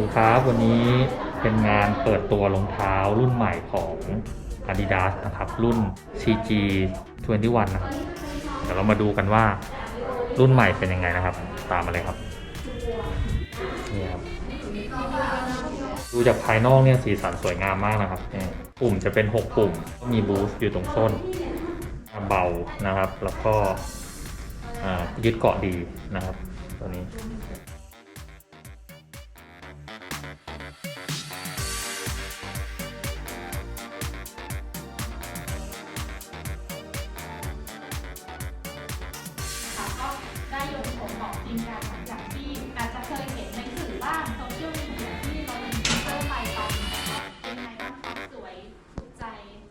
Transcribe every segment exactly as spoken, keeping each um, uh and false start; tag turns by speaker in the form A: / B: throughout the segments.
A: ดีครับวันนี้เป็นงานเปิดตัวรองเท้ารุ่นใหม่ของ Adidas นะครับรุ่น ซี จี ยี่สิบเอ็ด นะครับเดี๋ยวเรามาดูกันว่ารุ่นใหม่เป็นยังไงนะครับตามมาเลยครับนี่ครับดูจากภายนอกเนี่ยสีสันสวยงามมากนะครับปุ่มจะเป็นหกปุ่มมีบูสต์อยู่ตรงส้นเบานะครับแล้วก็ยึดเกาะดีนะครับตัวนี้
B: ได้ลงผลของจริงกันหลังจากที่อาจจะเคยเห็นในสื่อบ้างโซเชียลมีเดียที่เราเป็นฟีเจอร์ไปตอนนี้เป็นไงบ้างคะสวยถูกใจ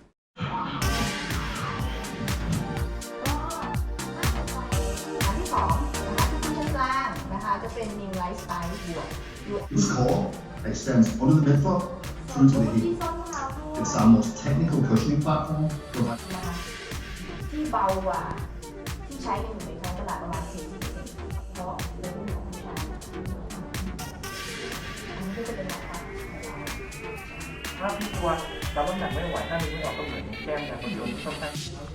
C: อันที่สองนะคะที่ตรงกลางนะคะจะเป็น New Lifestyle บวก
D: Its core extends under the midfoot through to the
C: ที่
D: heel.
C: ส้นเท้าด้วย
D: It's our most technical cushioning platform. Providing
C: นะคะที่เบากว่าที่ใช้กันอยู่ในท้องตลาดประมาณ สี่สิบเปอร์เซ็นต์ เพราะเรื่องของผู้ชายอันนี้ก็จะเป็นราคา
E: ถ้าพี่ตัวรับน้ำหนักไม่ไหวถ้ามีไม่ออกก็เหมือนแก้มแต่คนโดนค่อนข้าง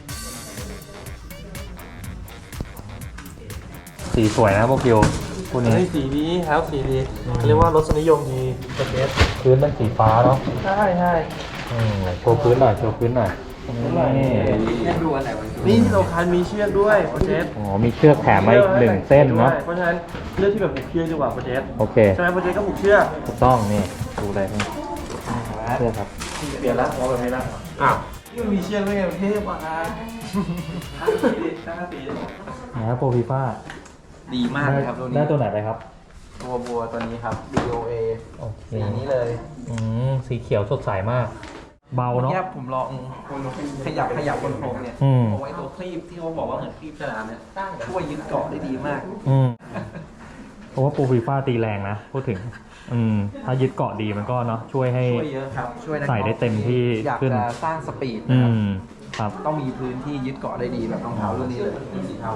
A: สีสวยนะพวกคิวคู่นี้
E: เฮ้ยสีดีครับสีดีเรียกว่ารสนิยมดีประเทศ
A: พื้นเป็นสีฟ้าเนาะ
E: ใช่ใช่
A: อืมโชว์พื้นหน่อยโชว์พื้นหน่อยนี่
E: นี่ที่สำคัญมีเชือกด้วยประเทศ
A: อ๋อมีเชือกแถมมาอีกหนึ่งเส้นเนาะ
E: เพราะฉะนั้นเลือกที่แบบผูกเชือกดีกว่าประเทศ
A: โอเค
E: ใช่ไหมประเทศก็ผูกเชือก
A: ถูกต้องนี่ดูอะไรนี่เชือกครับ
E: เปลี่ยนละเอาแบบนี้ละอ้าวนี่มันมีเชือกด้วยไงประเทศว่ะห้าสีดิห้าสีดิ
A: นะโปรฟีฟ่า
F: ดีมากเลยครับตัวนี้
A: ได้ตัวไหนไปครับ
F: ตัวบัวตัวนี้ครับ บี โอ เอ
A: โอเค
F: สีนี้เลย
A: อืมสีเขียวสดใสมาก เบาเนาะ
F: แยบผมลองขยับขยับบนโครงเนี่ย
A: อืม
F: เอาไว้ตัวคลีปที่เขาบอกว่าเหมือนคลีปสนามเนี่ยช่วยยึดเกาะได้ดีมาก
A: อืมเพราะว่าโปรฟีฟ่าตีแรงนะพูดถึง อืมถ้ายึดเกาะดีมันก็เนาะช่วยให้
F: ช่วยเยอะครับ ช่วยนัก
A: ใส่ได้เต็มที่
F: อยาก
A: ขึ้น
F: จะสร้างสปีด
A: อื
F: นะครับ
A: มครับ
F: ต้องมีพื้นที่ยึดเกาะได้ดีแบบรองเท้ารุ่นนี้เลยสีเทา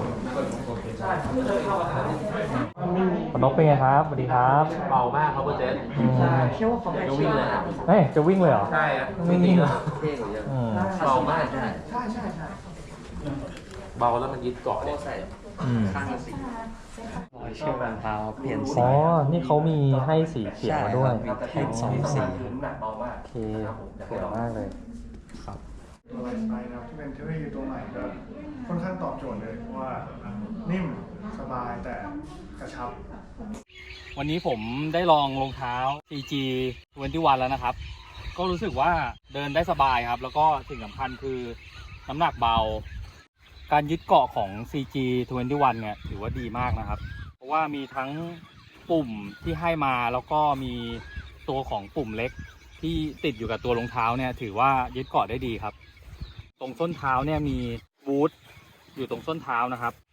A: ปนกเป็นไงครับสวัสดีครับ
F: เบามากครับเจส
A: อืม
F: จะวิ่งเลยครับ
A: เฮ้ยจะวิ่งเลยเหรอ
F: ใช่ครับ
A: ไม่วิ่งเหรอ
F: เท่กว่าเยอะ
A: อืม
F: เบามากใช่
C: ใช่ใช่ใช่
F: เบาแล้วมันยึดเกาะได้
A: อืม
F: ข้างละสี
G: รอยเชือกรองเท้าเปลี่ยนสี
A: อ๋อนี่เขามีให้สีเขียวมาด้วย
G: ใช่ครับมีแท่งสองสี
F: หนักเบามาก
A: โอเคสวยมากเลยครับ
H: ตัวไลฟ์สไตล์นะครับที่เป็นเทคโนโลยีตัวใหม่ก็ค่อนข้างตอบโจทย์เลยเพราะว่านิ่มสบายแต่กระชับ
A: วันนี้ผมได้ลองรองเท้า ซี จี ยี่สิบเอ็ด แล้วนะครับ ก็รู้สึกว่าเดินได้สบายครับ แล้วก็สิ่งสำคัญคือน้ำหนักเบา การยึดเกาะของ ซี จี ยี่สิบเอ็ด เนี่ยถือว่าดีมากนะครับ เพราะว่ามีทั้งปุ่มที่ให้มาแล้วก็มีตัวของปุ่มเล็กที่ติดอยู่กับตัวรองเท้าเนี่ยถือว่ายึดเกาะได้ดีครับ ตรงส้นเท้าเนี่ยมีบูทอยู่ตรงส้นเท้านะครับ